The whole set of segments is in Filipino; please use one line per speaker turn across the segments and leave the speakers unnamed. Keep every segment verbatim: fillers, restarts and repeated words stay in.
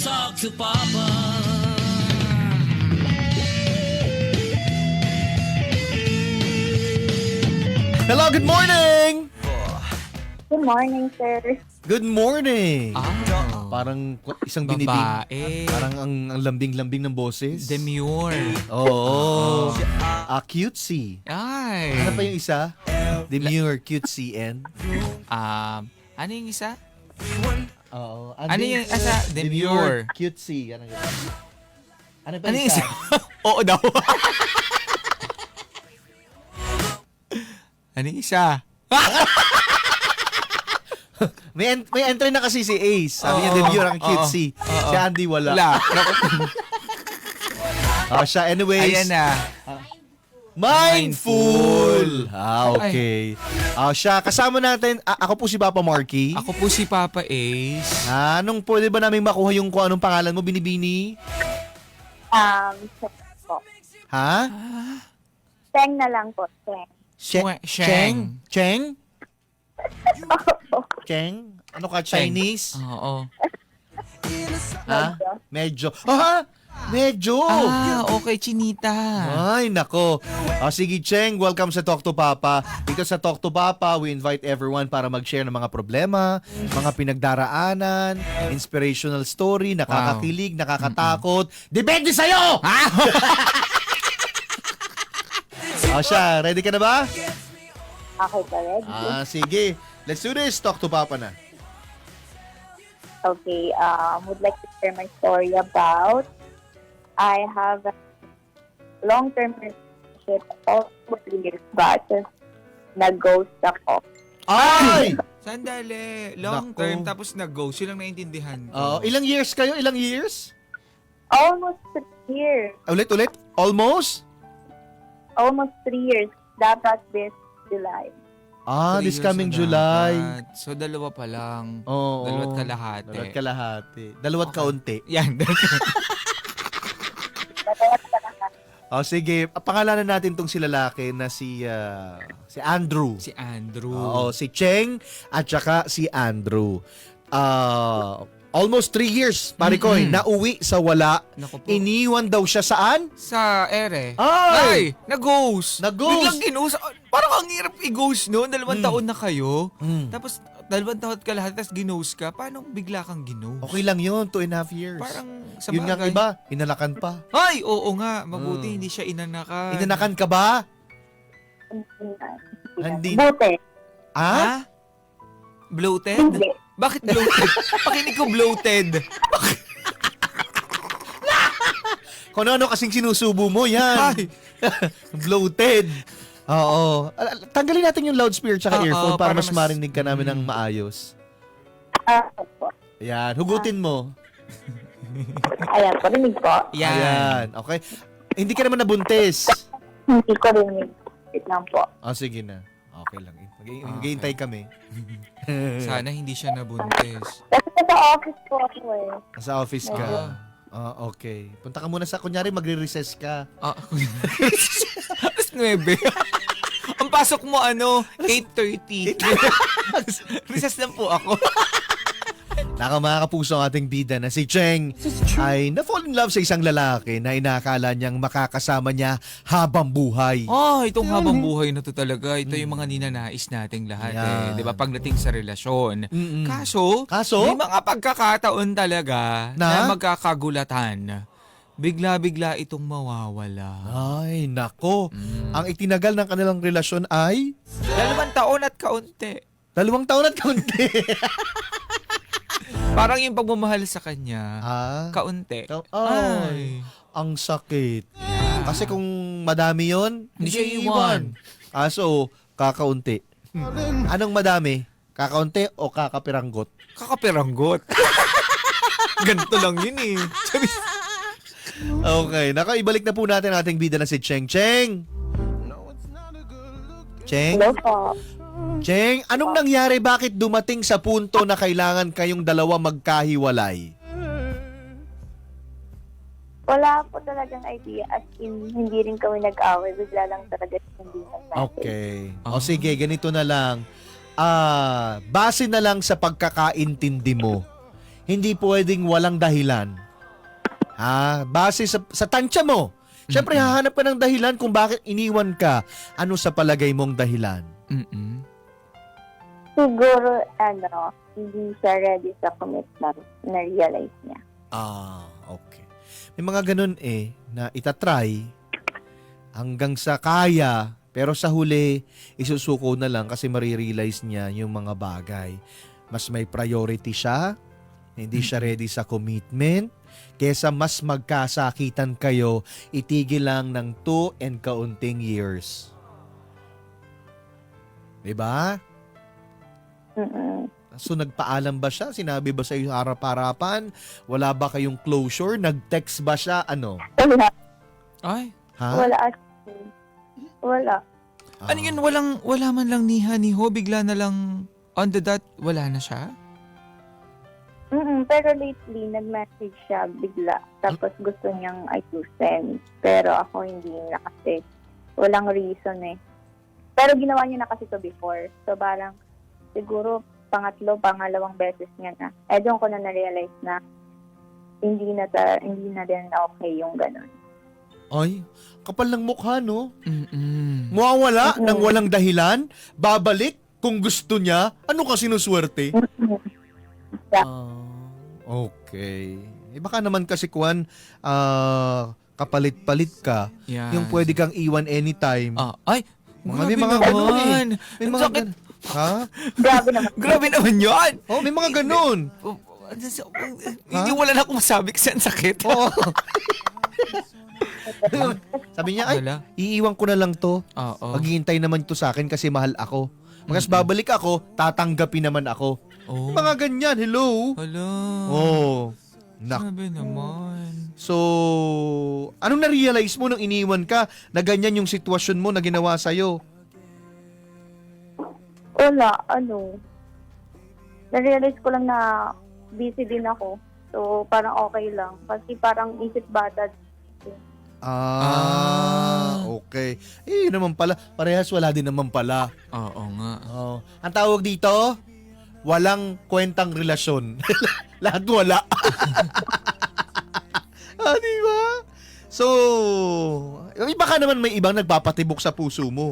talk to Papa.
Hello, good morning!
Good morning, sir.
Good morning!
Ah,
Parang isang binibig.
babae.
Parang ang, ang lambing-lambing ng boses.
Demure.
Oo. Ah, cutesy.
Ay.
Ano pa yung isa? Demure, cutesy, and?
Um, ano yung isa?
Oo.
Ano yung isa? Demure.
Cutesy. Ano, yun? Ano pa
Ano
yung
yung
isa?
isa? Oo daw. Ano yung isa?
May, en- may entry na kasi si Ace. Sabi niya,
Oo.
demure ang
Oo.
cutesy.
Oo.
Si Andy wala.
Wala.
Ah, siya, anyways.
Ayan na.
Mindful! Ah, okay. Ah, siya, kasama natin, a- ako po si Papa Marky.
Ako po si Papa Ace.
Ah, anong pwede ba namin makuha yung kung anong pangalan mo, Binibini?
Um, Cheng po.
Ha?
Cheng na lang po, Cheng.
She-
Shwe-
Cheng?
Sheng.
Cheng? Cheng? Ano ka, Chinese?
Oo.
Ha? Medyo. Ah, medyo!
Ah, okay, Chinita.
Ay, nako. O sige, Cheng, welcome sa Talk to Papa. Dito sa Talk to Papa, we invite everyone para mag-share ng mga problema, mga pinagdaraanan, inspirational story, nakakakilig, nakakatakot. Depende sa'yo!
Ah!
O siya, ready ka na ba?
Okay ba, ready?
Ah, sige. Let's do this. Talk to Papa na.
Okay, um, would like to share my story about I have a long-term relationship of three years but nag-ghost ako.
Ay!
Sandali. Long
Nako.
term, tapos nag-ghost. Yun lang naintindihan ko.
Oh, ilang years kayo? Ilang years?
Almost three years.
Ulit, ulit? Almost?
Almost three years. Dapat this July.
Ah,
Three
this
years
coming
na
July.
dapat. So, dalawa pa lang.
Oo.
Dalawat kalahati.
Dalawat kalahati. Dalawat
Okay.
kaunti.
Yan.
Dapat pa lang.
O sige, pangalanan natin tong si lalaki na si ah, si Andrew.
si Andrew.
Oo, si Cheng at saka si Andrew. Ah, almost three years, pare ko,
Mm-mm.
nauwi sa wala.
Naku po.
Iniwan daw siya saan?
Sa ere.
Ay!
Nag-ghost!
Nag-ghost!
Biglang ginhost. Parang ang hirap i-ghost noon. Dalawang
Mm.
taon na kayo.
Mm.
Tapos, dalawang taon ka lahat, tapos ginhost ka. Paano bigla kang ginhost?
Okay lang yun, two and a half years.
Parang sa
Yun nga
bagay.
iba, inalakan pa.
Ay, oo nga. Mabuti
Mm.
hindi siya inanakan.
Inanakan ka ba? Hindi.
Buti.
Ah?
Ha? Bloated?
Hindi.
Bakit bloated? Pakinig ko bloated.
Kung ano kasing sinusubo mo, yan.
Ay.
Bloated. Oo. Al- al- Tanggalin natin yung loudspeaker tsaka
Oo,
earphone para,
para
mas
mas-
marinig ka namin ng
Mm.
maayos.
Ah, po.
Ayan, hugutin mo.
Ayan, parinig po.
Yan.
Ayan, okay. Hindi ka naman nabuntis.
Hindi ko rin wait lang po.
Oh, sige na. Okay lang. Mag-
Okay.
Maghihintay kami.
Sana hindi siya nabuntis.
Kasi sa office po ako eh.
Sa office ka.
Ah.
Ah, okay. Punta ka muna sa, kunyari, magre-recess ka.
Ah, alas nuwebe. Ang pasok mo ano, eight thirty. Recess lang po ako.
Naka mga kapuso ang ating bida na si Cheng ay na-fall in love sa isang lalaki na inakala niyang makakasama niya habang buhay.
Oh, itong habang buhay na to talaga. Ito yung mga ninanais nating lahat eh.
Yan.
'Di ba? Pagdating sa relasyon.
Mm-mm.
Kaso,
Kaso?
may mga pagkakataon talaga
Na?
na, magkakagulatan. Bigla-bigla itong mawawala.
Ay, nako.
Mm.
Ang itinagal ng kanilang relasyon ay
Dalawang taon at kaunti.
dalawang taon at kaunti.
Parang yung pagmamahal sa kanya,
ah,
kaunti.
Ka- ay, ang sakit. Kasi kung madami yon,
Hindi siya iwan.
Kaso, kakaunti. Anong madami? Kakaunti o kakapiranggot?
Kakapiranggot. Ganito lang yun eh. Sabi,
Okay, naka ibalik na po natin ang ating bida na si Cheng. Cheng! Cheng?
Hello po.
Cheng, anong nangyari? Bakit dumating sa punto na kailangan kayong dalawa magkahiwalay?
Wala po talagang idea. As in, hindi rin kami nag-away. Bigla lang talaga hindi nag-away.
Okay.
Ah.
O sige, ganito na lang. Ah, base na lang sa pagkakaintindi mo. hindi pwedeng walang dahilan. Ha? Base sa, sa tansya mo. Siyempre, hahanap ka ng dahilan kung bakit iniwan ka. Ano sa palagay mong dahilan?
Mm-mm.
Siguro, ano, hindi siya ready sa commitment, na-realize niya.
Ah, okay. May mga ganun eh, na itatry hanggang sa kaya, pero sa huli, isusuko na lang kasi marirealize niya yung mga bagay. Mas may priority siya, hindi siya ready sa commitment, kesa mas magkasakitan kayo, itigil lang ng two and kaunting years. Diba?
Mm-mm.
So nagpaalam ba siya? Sinabi ba sa iyo harap-harapan? Wala ba kayong closure? Nag-text ba siya? Ano?
Wala.
Ay,
Ha?
Wala. as- Wala.
Ah.
ano yun, walang, wala man lang ni Haniho, bigla na lang on the dot, wala na siya?
Mm-mm. Pero lately, nag-message siya bigla. Tapos gusto niyang ayusin. Pero ako hindi na kasi. Walang reason eh. Pero ginawa niya na kasi to before. So parang siguro pangatlo, pangalawang beses niya na. Eh doon ko na na-realize na hindi na ta, hindi na din na okay yung ganun.
Ay, kapal ng mukha, no?
Mm-mm.
Mawawala
Oo.
ng walang dahilan, babalik kung gusto niya. Ano ka sinuswerte? Ah, okay. Eh baka naman kasi Kwan, ah, kapalit-palit ka.
Yan.
Yung pwede kang iwan anytime.
Ah, ay,
Mga-
grabe
may mga ganun eh.
naman.
May
Ang
mga
sakit.
gan- Ha?
Grabe naman.
Grabe naman yun.
Oh, may mga ganun.
Oh, Hindi wala na akong masabi kasi ang sakit.
Oo. Sabi niya, ay,
Wala.
iiwan ko na lang to.
Oo.
Maghihintay naman to sa akin kasi mahal ako. Magas babalik ako, tatanggapin naman ako.
Oh.
Mga ganyan, hello?
Hala.
Oh. Nak.
Grabe naman.
So, anong na-realize mo nung iniwan ka na ganyan yung sitwasyon mo na ginawa sa'yo?
Wala, ano. Na-realize ko lang na busy din ako. So, parang okay lang. Kasi parang isip bata.
Ah, okay. Eh, yun naman pala. Parehas wala din naman pala.
Oo nga.
Oh. Ang tawag dito, walang kwentang relasyon. Lahat wala. Ah, di ba? So, eh, baka naman may ibang nagpapatibok sa puso mo.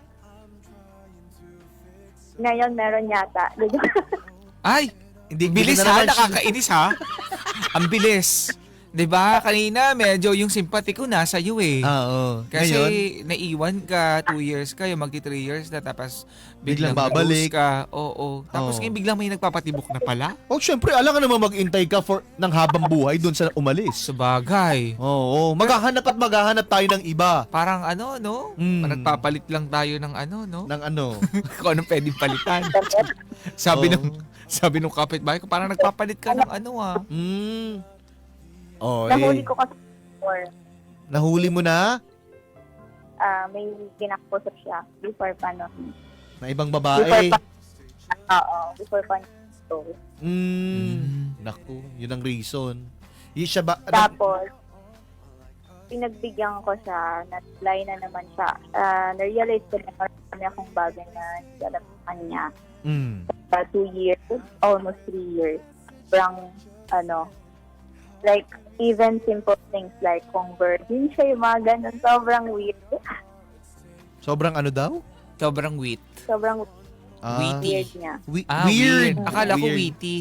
Ngayon, meron yata.
Ay,
Hindi
bilis
hindi na
ha,
naman siya-
nakakainis ha. Ang bilis. 'Di ba? Kanina medyo yung sympathy ko nasa iyo eh.
Ah, oo.
Kasi
Ngayon,
naiwan ka, two years kayo, magti three years na, tapos biglang,
Biglang babalik.
babalik ka. Oo. Tapos
Oo.
ngayon biglang may nagpapatibok na pala.
oh, syempre, alam ka naman mag-intay ka for ng habang buhay doon sa umalis.
Sa bagay.
Oo, maghahanap at maghahanap tayo ng iba.
Parang ano, no?
Mm.
Parang nagpapalit lang tayo ng ano, no?
Ng ano.
Kung anong pwedeng palitan. Sabi
Oo.
nung sabi nung kapitbahay ko, parang nagpapalit ka ng ano ah.
Mm. Oh,
Nahuli
eh.
ko kasi before.
Nahuli mo na
ah may kinakausap siya before pa no.
na ibang
Before
babae.
pa. Oo, before pa. So,
Mm. Naku, yun ang reason. Yun siya ba? ano-
tapos, pinagbigyan ko siya, na-reply na naman siya. Ah, na-realize ko na marami akong bagay na hindi alam sa kanya.
Mm.
Uh, two years, almost three years. Sobrang, ano, like, even simple things like kung virgin siya, yung mga ganun, sobrang weird.
Sobrang ano daw?
Sobrang wit.
Sobrang
Ah,
Witty.
weird niya.
wi-
Ah,
weird.
weird. Akala ko
Weird.
witty.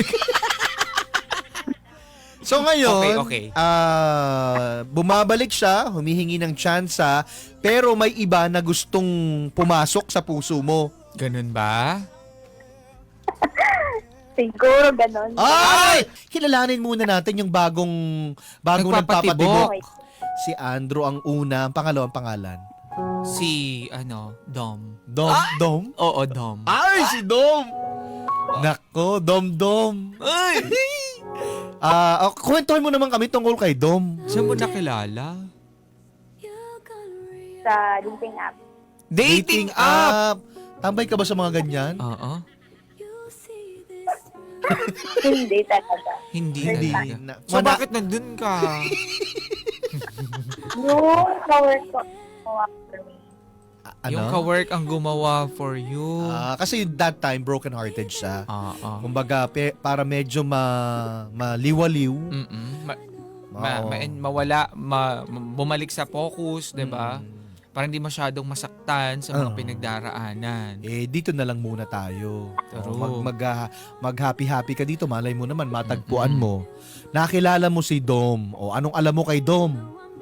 So ngayon,
Okay, okay.
ah, bumabalik siya, humihingi ng tsansa, pero may iba na gustong pumasok sa puso mo.
Ganun ba?
Siguro ganun.
Ay! Kilalanin muna natin yung bagong bagong
Nagpapatibok.
nagpapatibok.
Okay.
Si Andrew ang una, ang pangalawang pangalan.
Si, ano, Dom.
Dom, Dom?
Oo, Dom.
Ay, si Dom! Nako, Dom, Dom.
Ay!
Ah, oh, kwentuhan mo naman kami tungkol kay Dom.
Saan mo nakilala?
Sa dating app.
Dating app!
Tambay ka ba sa mga ganyan?
Oo.
Hindi talaga.
Hindi
Hindi.
talaga.
Na-
So,
mana-
bakit nandun ka?
Yung kawork ko, ko after me.
Ano?
Yung ka-work ang gumawa for you.
Ah, kasi that time, broken-hearted siya.
Ah, ah.
Kumbaga, pe- para medyo ma maliwaliw.
Mm-mm. Ma- ma-
Oo.
ma- mawala, ma- bumalik sa focus, 'di ba?
Mm.
Para hindi masyadong masaktan sa mga
Oo.
pinagdaraanan.
Eh, dito na lang muna tayo.
True.
Oh, mag, mag, ah, mag-happy-happy ka dito. Malay mo naman, matagpuan
Mm-mm.
mo. Nakilala mo si Dom. O, anong alam mo kay Dom?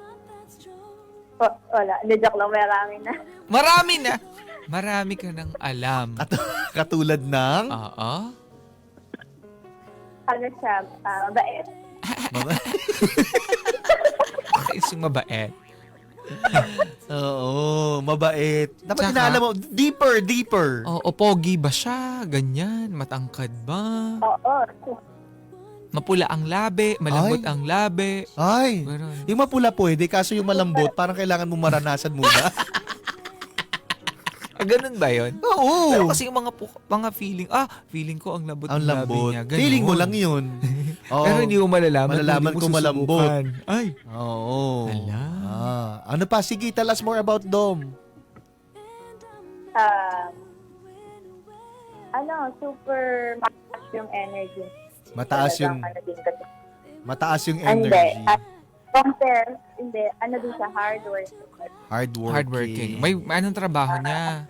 O, wala, hindi, joke lang, marami na.
Marami na. Marami ka nang alam.
Katulad ng...
Oo.
Ano siya, ah, mabait.
Isang mabait.
Oo, mabait. Dapat
Tsaka-
inaalam mo, deeper, deeper.
O, o pogi ba siya? Ganyan? Matangkad ba?
Oo.
Mapula ang labi? Malambot
Ay.
ang labi?
Ay,
Ganun.
yung mapula pwede, kaso yung malambot, parang kailangan mo maranasan muna.
Ah, ganun ba yun?
Oo.
Pero kasi yung mga pu- mga feeling, ah, feeling ko ang lambot
Ang
ng labi
lambot.
niya. Ganun.
Feeling mo lang yun. Oo.
Pero hindi mo malalaman.
Malalaman
kung
kung
hindi mo
malambot.
susubukan. Ay.
Oo.
Ala.
Ah, ano pa? Sige, tell us more about Dom.
Ah, ano, super mataas yung energy.
Mataas yung
Talagang Ano din kasi.
mataas yung
Ah, Hindi.
energy.
At compare, hindi. Ano din siya, hard work.
Hardworking.
Hardworking. May, may anong trabaho niya?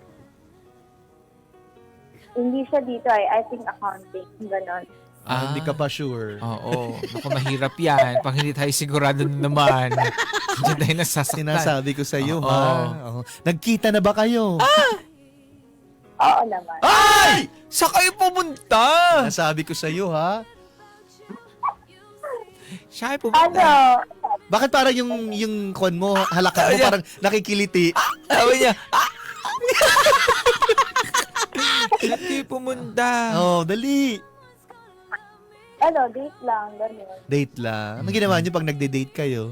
Hindi siya dito ay, I think accounting. Ganon.
Ah,
Ah.
hindi ka pa sure.
Oo. Naku, mahirap yan. Pag hindi tayo sigurado na naman. Diyan tayo nasasaktan.
Sinasabi ko sa iyo,
Oo.
ha? Oo. Nagkita na ba kayo?
Oo naman.
Ay!
Sa kayo pumunta?
Nasabi ko sa iyo, ha?
Siya ay
Ano?
pumunta.
Bakit parang yung yung kon mo, halakan mo
Ayan.
parang nakikiliti?
Sabi niya, ah! Sa kayo pumunta?
Oh, dali.
Ano, date lang. Ganon.
Date lang. Anong ginawa niyo pag nagde-date kayo?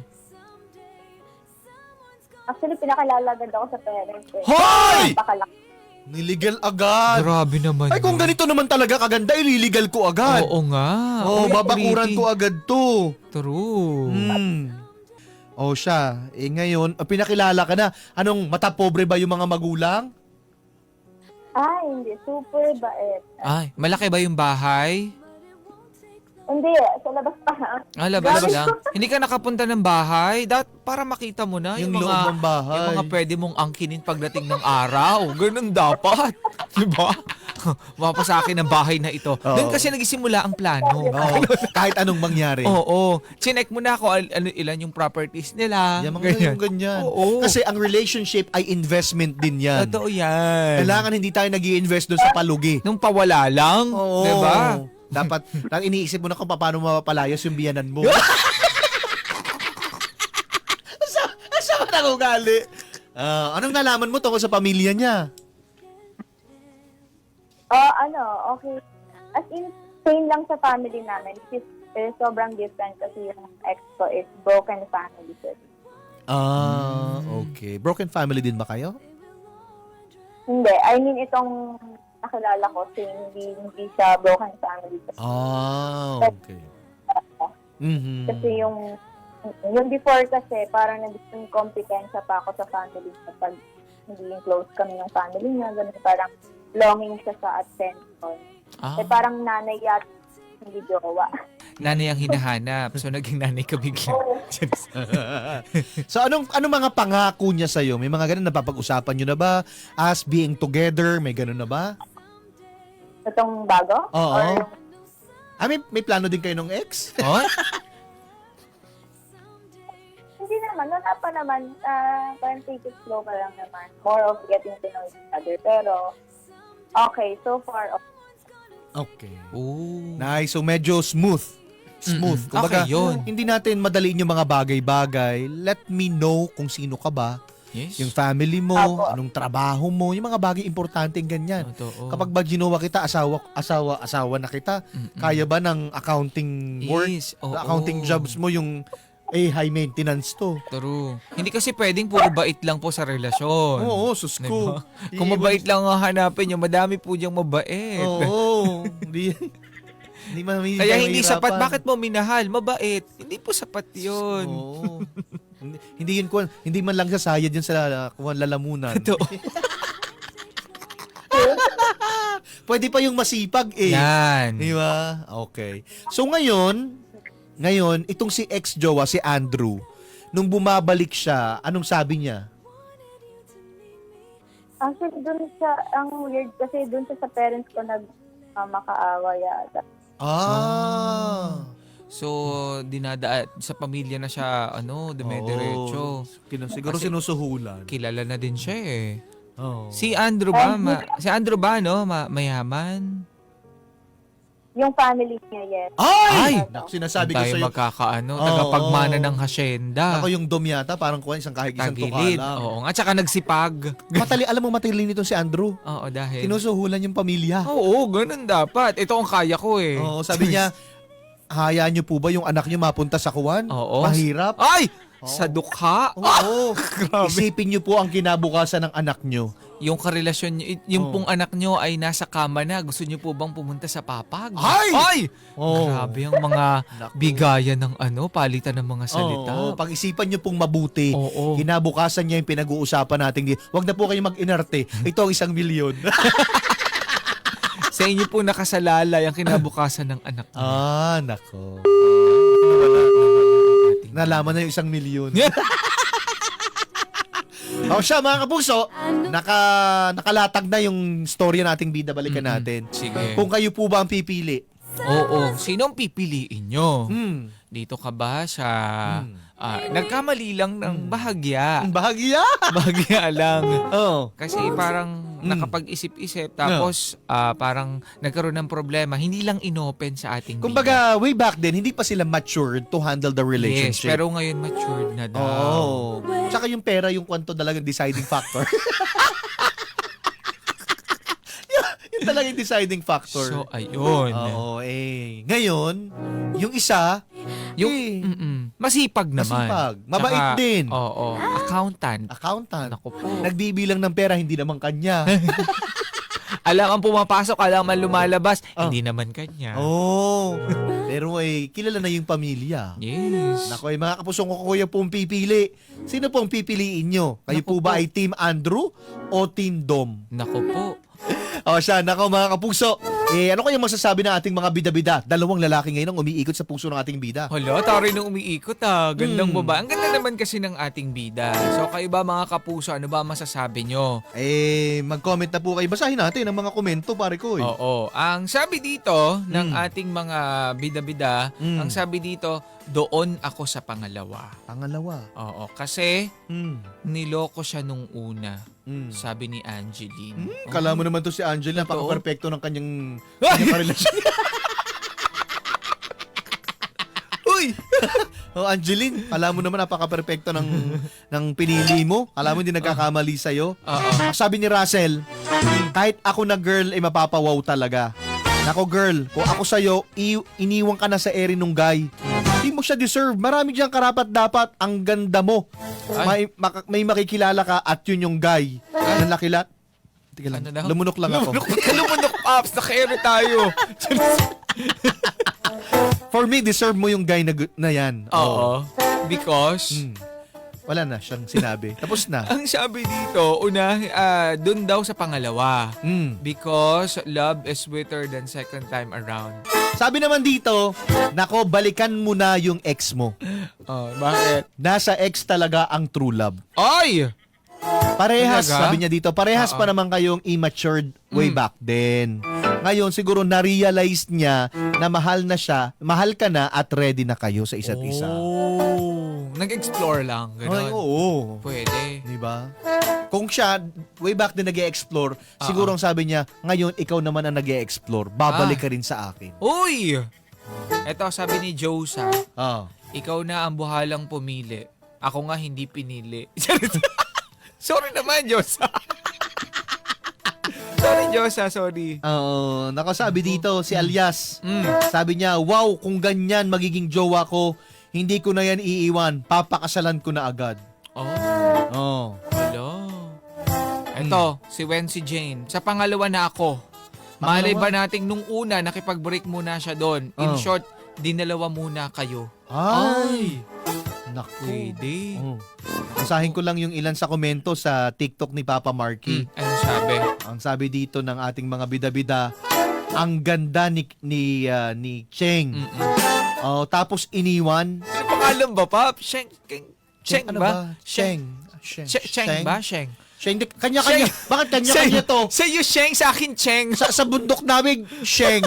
Actually, pinakalagad ako sa parents eh.
Hoy!
Pakalak.
Niligal agad.
Grabe naman.
Ay, kung
yun.
ganito naman talaga kaganda, ililigal ko agad.
Oo nga.
Oh,
Uy,
babakuran
pretty.
ko agad to.
True.
Hmm. Oh, siya. Eh ngayon, ah, pinakilala ka na. Anong, mata pobre ba yung mga magulang?
Ah, hindi. Super bait.
Ay, malaki ba yung bahay?
Hindi, sa labas pa.
Ah, labas
Grabe.
lang. Hindi ka nakapunta ng bahay? Dat para makita mo na yung,
Yung
mga,
loob ng bahay.
yung mga pwede mong angkinin pagdating ng araw. Ganun dapat. Diba? Mapa sa akin ang bahay na ito. Doon kasi nagsimula ang plano.
Oo, kahit anong mangyari.
Oo. Chinek mo na kung al- ano, ilan yung properties nila.
Yan, mga ganyan. ganyan.
Oo.
Kasi ang relationship ay investment din yan.
Totoo yan.
Kailangan hindi tayo nag invest doon sa palugi.
Nung pawala lang.
Oo.
Diba?
Dapat, nang iniisip mo na kung paano mapapalayas yung biyanan mo. asa, asa ka nang ugali? Ah, anong nalaman mo tungkol sa pamilya niya?
Oh, ano, okay. As in, same lang sa family namin. Is, eh, sobrang different kasi yung ex ko is broken family. So,
Ah, okay. Broken family din ba kayo?
hindi, I mean, itong nakilala ko, so hindi, hindi siya broken family.
Ah, okay. Mhm.
Kasi yung, yung before kasi, parang naging kompetensya pa ako sa family niya. Pag hindi yung close kami ng family niya, ganun parang longing siya sa attention.
Ah,
Eh, parang nanay yata, hindi jowa.
nanay ang hinahanap. So, naging nanay ka bigla.
So anong anong mga pangako niya sa May mga ganun napapag-usapan niyo na ba? As being together, may ganun na ba?
Itong bago?
Oo.
Or,
Ah, may, may plano din kayo ng ex?
Oh?
hindi naman, wala pa naman. Uh, parang take it slow pa lang naman. More of getting to know each other. Pero, okay, so far, okay.
Okay.
Oh.
Nice. So medyo smooth. Smooth.
Mm-mm.
Kumbaga,
Okay, yun.
hindi natin madaliin yung mga bagay-bagay. Let me know kung sino ka ba.
Yes.
Yung family mo,
Apo.
anong trabaho mo, yung mga bagay importanteng ganyan.
Totoo.
Kapag ba ginawa kita, asawa, asawa, asawa na kita,
Mm-mm.
kaya ba ng accounting work?
Yes, oo.
Accounting jobs mo yung eh high maintenance to.
True. Hindi kasi pwedeng puro bait lang po sa relasyon.
Oo, sus ko.
Diba? Kung mabait lang ang hanapin nyo, madami po diyang mabait.
Oo. Hindi hindi man
Kaya hindi sapat. Bakit mo minahal? Mabait. Hindi po sapat yun.
Oo. Hindi, hindi yun kuwan, hindi man lang sasayad yun sa kuwan lalamunan.
Ito.
Pwede pa yung masipag eh.
Yan.
Di ba? Okay. So ngayon, ngayon, itong si ex-jowa, si Andrew, nung bumabalik siya, anong sabi niya?
Actually, dun sa, ang weird kasi dun sa, sa parents ko nag uh, makaawa yata.
Ah.
So, dinada sa pamilya na siya, ano, dumediretso.
Kino, siguro
Kasi-
sinusuhulan.
Kilala na din siya eh.
Oh.
Si Andrew ba? Ma- si Andrew ba, no? Ma- mayaman?
Yung family niya, yes.
Ay!
Ay!
Naku, sinasabi
Kung
ko
tayo
sa'yo.
magkakaano,
Oo,
tagapagmana
oo.
ng hasyenda.
Ako yung dom yata, parang kuwan, isang kahit isang tuka
Tagilid.
lang.
Oo nga, tsaka nagsipag.
Matali, alam mo matalino nito si Andrew.
Oo, dahil...
Sinusuhulan yung pamilya.
Oo, ganun dapat. Ito ang kaya ko eh.
Oo, sabi niya, hayaan niyo po ba yung anak niyo mapunta sa kuwan?
Oo.
Mahirap.
Ay!
Oo.
Sa dukha.
Oo.
Grabe.
Isipin niyo po ang kinabukasan ng anak niyo.
Yung karelasyon niyo, yung
Oo.
pong anak niyo ay nasa kama na. Gusto niyo po bang pumunta sa papag?
Ay!
Ay!
Oo.
Grabe ang mga
Naku.
bigayan ng ano, palitan ng mga salita.
Oo, pag-isipan niyo pong mabuti.
Oo.
Kinabukasan niya yung pinag-uusapan natin. Huwag na po kayo mag-inerte. Ito ang isang milyon.
Sa inyo po nakasalalay ang kinabukasan ng anak niyo.
ah, nako.
Ating-
Nalaman na yung isang milyon. O siya mga kapuso, naka, nakalatag na yung storya nating bida balikan
Mm-mm.
natin.
Sige.
Kung kayo po ba ang pipili?
Oo. Sino ang pipiliin nyo?
Hmm.
Dito ka ba sa...
Hmm.
ah, nagkamali lang ng bahagya.
Ang bahagya.
Bahagya lang.
Oh.
Kasi parang
Mm.
nakapag-isip-isip tapos ah, parang nagkaroon ng problema. Hindi lang inopen sa ating
Kumbaga, way back then, hindi pa sila matured to handle the
bida. Yes,
relationship.
pero ngayon matured na daw.
Oo. Tsaka yung pera, yung kwanto talaga deciding factor. yun, yun talaga yung deciding factor.
So, ayun.
Oo, eh. Ngayon, yung isa,
Yung,
eh,
mm-mm, masipag naman.
masipag. Mabait
Tsaka,
din.
Oo. Accountant.
Accountant.
Naku po.
Nagbibilang ng pera, hindi naman kanya.
Alam ang pumapasok, alam ang lumalabas.
Oh.
Hindi naman kanya.
Oo. Pero eh, kilala na yung pamilya.
Yes.
Nako, eh, mga kapusong ko, kuya pong pipili. Sino pong pipiliin nyo? Kayo
Naku
po ba
po.
ay Team Andrew o Team Dom?
Naku po.
O siya, nako mga kapuso. Eh, ano kayong masasabi ng ating mga bida-bida? Dalawang lalaki ngayon ang umiikot sa puso ng ating bida.
Hala, tari nung umiikot ah. Gandang
Hmm.
baba. Ang ganda naman kasi ng ating bida. So kayo ba mga kapuso, ano ba masasabi nyo?
Eh, mag-comment na po kayo. Basahin natin ang mga komento, pare ko. Eh.
Oo. Ang sabi dito ng
Hmm.
ating mga bida-bida,
Hmm.
ang sabi dito, doon ako sa pangalawa.
Pangalawa.
Oo. Kasi
Hmm.
niloko siya nung una,
Hmm.
sabi ni Angeline.
Hmm, kala mo naman to si Angela,
Totoo.
napaka-perfecto ng kanyang, kanyang karelasyon. Uy! Oh, Angeline, kala mo naman napaka-perfecto ng, ng pinili mo. Kala mo hindi nagkakamali sa'yo.
Oo.
Sabi ni Russell, kahit ako na girl, ay mapapawaw talaga. Nako girl, kung ako sa'yo, i- iniwan ka na sa ere nung guy. Hindi mo siya deserve. Marami diyang karapat dapat. Ang ganda mo. May, maka- may makikilala ka at yun yung guy. Ang lakilat. Tika lang.
Ano daw?
Lumunok lang ako.
Lumunok, lumunok, Pops. Naka-ere tayo.
For me, deserve mo yung guy na, gu- na yan.
Oo. Because...
Hmm. Wala na siyang sinabi. Tapos na.
Ang sabi dito, una, ah, dun daw sa pangalawa.
Hmm.
Because love is sweeter than second time around.
Sabi naman dito, nako, balikan mo na yung ex mo.
Oh, bakit?
Nasa ex talaga ang true love.
Ay!
Parehas,
Talaga?
sabi niya dito, parehas
Oo.
pa naman kayong immatured way
Mm.
back then. Ngayon, siguro na-realize niya na mahal na siya, mahal ka na at ready na kayo sa isa't isa.
Oh, nag-explore lang.
Ay,
Ganon.
oo.
Pwede.
Di ba? Kung siya, way back din nag-e-explore, siguro ang sabi niya, ngayon, ikaw naman ang nag-e-explore, babalik
Ah.
ka rin sa akin.
Uy! Eto, sabi ni Josa,
Ah.
ikaw na ang buhalang pumili. Ako nga hindi pinili. Sorry naman, Josa. Sorry, Josa. Sorry.
Oo, nakasabi dito si Alias.
Mm.
Sabi niya, wow, kung ganyan magiging jowa ko, hindi ko na yan iiwan. Papakasalan ko na agad.
Oh,
Oh.
hello. Eto, si Wency Jane. Sa pangalawa na ako. Malay ba nating nung una, nakipag-break muna siya doon. In
Oh.
short, dinalawa muna kayo.
Ay. Naku.
Pwede.
Oh. Basahin ko lang yung ilan sa komento sa TikTok ni Papa Marky.
Hmm, ano sabi?
Ang sabi dito ng ating mga bida-bida, ang ganda ni ni ah, ni Cheng.
Mm-mm.
Oh, tapos iniwan.
Ano pangalan ba, Pap? Sheng, Sheng, Sheng
ano
ba?
Sheng. Sheng.
Sheng, Sheng ba? Sheng.
Sheng. di- Kanya-kanya. Bakit kanya-kanya to?
Sa iyo, Sheng, sa akin, Cheng.
Sa, sa bundok namin, Sheng.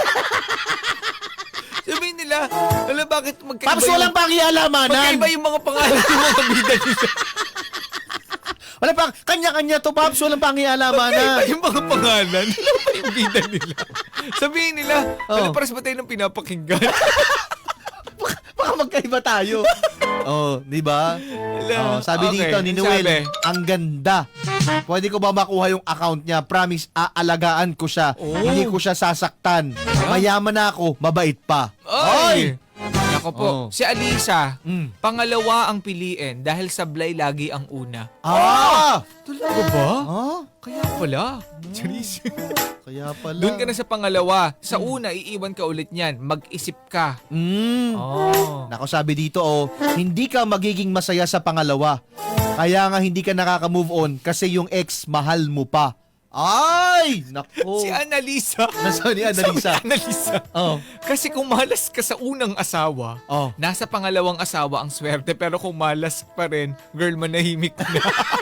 Sabihin nila, alam bakit magkaiba
Tapos walang pakialamanan.
magkaiba yung mga pangalan ng mga bida nila.
Wala pang, kanya-kanya to, Paps. Walang
Magkaiba
pakialamanan.
yung mga pangalan. Alam ba yung bida nila? Sabihin nila,
Oh.
ano paras ba tayo ng pinapakinggan?
Baka magkaiba tayo. Oh, di ba?
Wala.
Oh, sabi
Okay,
dito ni Noel,
sabi.
ang ganda. Pwede ko ba makuha yung account niya? Promise, aalagaan ko siya.
Oh.
Hindi ko siya sasaktan. Mayaman na ako, mabait pa.
Ay! Nako po,
Oh.
si Alisa,
Mm.
pangalawa ang piliin dahil sablay lagi ang una.
Ah!
Talaga ba?
Ah?
Kaya pala. Charis.
Kaya pala.
Doon ka na sa pangalawa. Sa una, iiwan ka ulit niyan. Mag-isip ka.
Mm.
Oh.
Nako, sabi dito, oh, hindi ka magiging masaya sa pangalawa. Kaya nga hindi ka nakaka-move on kasi yung ex mahal mo pa. Ay! Nako.
Si Annalisa.
Nasaan ni Annalisa?
Sabi ni Annalisa.
Oh.
Kasi kung malas ka sa unang asawa,
Oh.
nasa pangalawang asawa ang swerte. Pero kung malas pa rin, girl, manahimik ka na.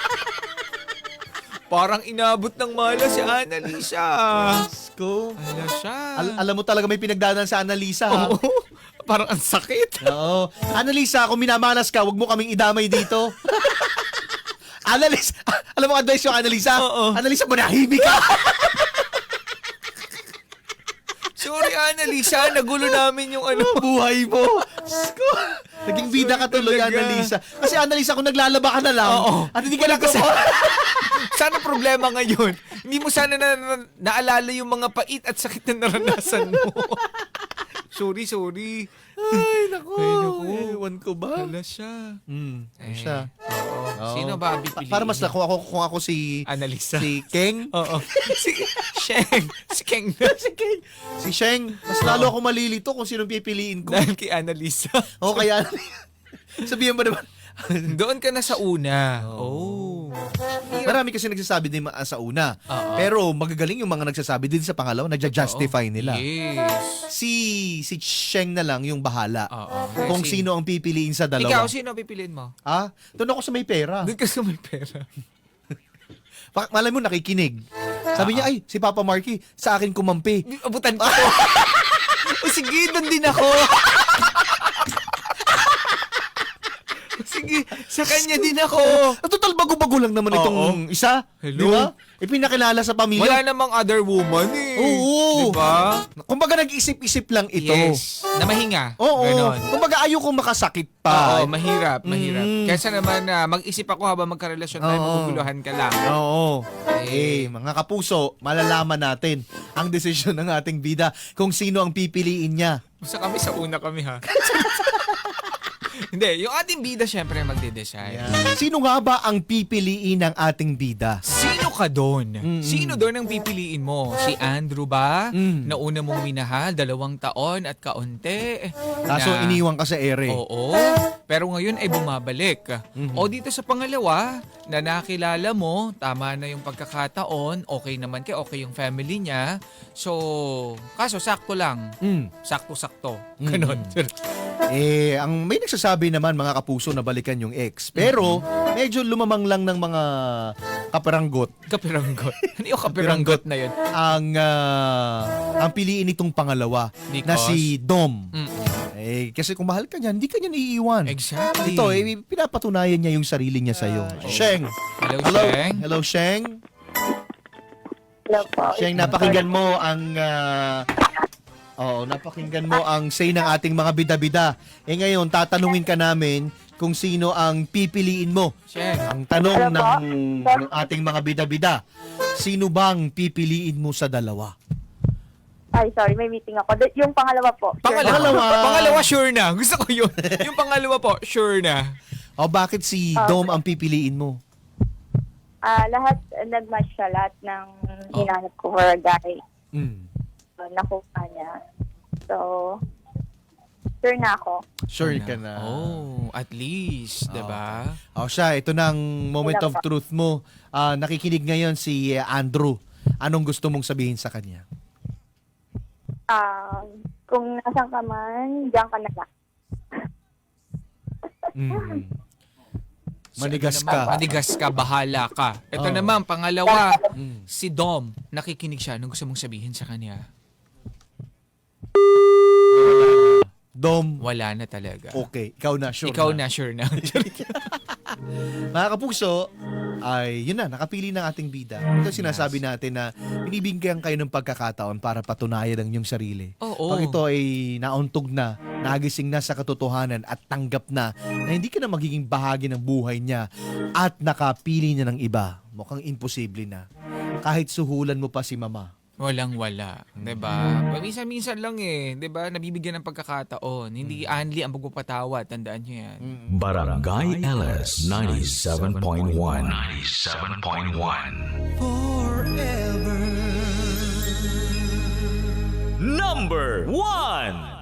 Parang inabot ng malas si Annalisa.
Ko.
Ala siya.
Al- alam mo talaga may pinagdaanan sa Annalisa, ha?
Oo. Parang ang sakit.
Oo. Annalisa, kung minamalas ka, wag mo kaming idamay dito. Annalisa, alam mo advice yung Annalisa?
Oo.
Annalisa, manahimik ka.
Sorry, Annalisa. Nagulo namin yung ano.
Buhay mo. Sko. Naging bida ka tuloy,
Talaga.
Annalisa. Kasi Annalisa, kung naglalaba ka na lang,
Oo.
at hindi ka
Wala
na
ka sa- Sana problema ngayon. Hindi mo sana na, na- naalala yung mga pait at sakit na naranasan mo. sorry, sorry.
Ay, naku.
Ay, naku.
Ewan ko ba?
Wala siya.
Hmm,
Eh,
siya.
Oo.
Oo.
Sino ba ang
Pa-
pipiliin?
para mas na, kung ako, kung ako si,
Annalisa.
si Keng,
Oo. Si Sheng. Si Keng.
si Keng, si Sheng, mas lalo ako malilito kung sinong pipiliin ko.
Dahil kay Annalisa.
O kaya, sabihan mo naman,
Doon ka na sa una.
Oo.
Oh.
marami kasi nagsasabi din ma- sa una.
Oo.
Pero magagaling yung mga nagsasabi din sa pangalawa, nagja-justify nila.
Yes.
Si si Sheng na lang yung bahala.
Oo.
Kung
Si-
sino ang pipiliin sa
Ikaw,
dalawa.
sino pipiliin mo?
Ah, doon ako sa may pera.
Doon ka sa may pera.
Pa- malay mo nakikinig. Sabi niya, ay, si Papa Marky, sa akin kumampi.
Abutan ko to. O sige, doon din ako. O sige, sa kanya din ako.
Ah, total bago-bago lang naman
Oo.
itong isa.
Hello?
Di ba? Ipinakilala sa pamilya.
Wala namang other woman eh.
Oo.
Diba?
Kumbaga nag-isip-isip lang ito.
Yes. Na mahinga.
Oo.
Ganon.
Kumbaga ayaw kong makasakit pa.
Oo, mahirap, mahirap.
Mm.
Kaysa naman na mag-isip ako habang magkarelasyon tayo,
Oo.
maguguluhan ka lang.
Oo.
Eh.
Eh, mga kapuso, malalaman natin ang desisyon ng ating bida kung sino ang pipiliin niya.
Basta kami sa una kami ha. Hindi, yung ating bida syempre magde-decide.
Sino nga ba ang pipiliin ng ating bida?
Sino ka doon?
Mm-mm.
Sino doon ang pipiliin mo? Si Andrew ba?
Mm.
Na una mong minahal, dalawang taon at kaunti.
Kaso
Na-
iniwan ka sa ere.
Oo. Pero ngayon ay bumabalik.
Mhm.
O dito sa pangalawa, na nakilala mo, tama na yung pagkakataon, okay naman kay okay yung family niya. So, kaso sakto lang.
Mm.
Sakto-sakto.
Mhm.
Ganon.
Eh, ang may nagsasabi naman mga kapuso na balikan yung ex. Pero, medyo lumamang lang ng mga kaparanggot
Kapiranggot. Ano yung kapiranggot na yun?
ang ah, ang piliin nitong pangalawa na
Because?
si Dom.
Mm.
Eh, kasi kung mahal ka niya, hindi ka niya naiiwan.
Exactly.
Ito, eh, pinapatunayan niya yung sarili niya sa'yo. Sheng!
Hello,
Hello,
Sheng.
hello, Sheng.
Hello po.
Sheng, napakinggan mo ang... ah, Oo, napakinggan mo ang say ng ating mga bida-bida. Eh ngayon, tatanungin ka namin kung sino ang pipiliin mo.
Sheng.
Ang tanong
Ano
ng,
po?
ng ating mga bida-bida, sino bang pipiliin mo sa dalawa?
Ay, sorry, may meeting ako. D- yung pangalawa po. Sure.
Pangalawa.
Pangalawa.
Pangalawa, sure na. Gusto ko yun. Yung pangalawa po, sure na.
O bakit si
Ah,
Dom ang pipiliin mo?
Ah, lahat, uh, nag-match siya. Lahat ng
Oh.
hinanap ko for a guy.
Mm.
So, nakuha niya. So, Sure na ako.
Sure ka na.
Oh, at least,
Oh,
'di ba?
O siya, ito na ang moment of truth mo. Ah, nakikinig ngayon si uh, Andrew. Anong gusto mong sabihin sa kanya?
Ah, kung nasan ka man, diyan ka na lang.
Mm.
Si
Manigas
ano naman,
ka.
Manigas ka, bahala ka. Ito
Oh.
naman, pangalawa,
Mm.
si Dom. Nakikinig siya. Anong gusto mong sabihin sa kanya?
Dom,
Wala na talaga.
okay. Ikaw na, sure
Ikaw
na.
na, sure na.
Mga kapuso, ay yun na, nakapili ng ating bida. Ito sinasabi natin na binibigyan kayo ng pagkakataon para patunayan ang inyong sarili.
Oo.
Pag ito ay nauntog na, nagising na sa katotohanan at tanggap na na hindi ka na magiging bahagi ng buhay niya at nakapili niya ng iba, mukhang imposible na. Kahit suhulan mo pa si mama.
Walang-wala. 'Di ba? Minsan-minsan lang eh. 'Di ba? Nabibigyan ng pagkakataon. Hindi only ang pagpapatawa. Tandaan niyo yan.
Barangay L S ninety-seven point one. ninety-seven point one. Forever. Number one.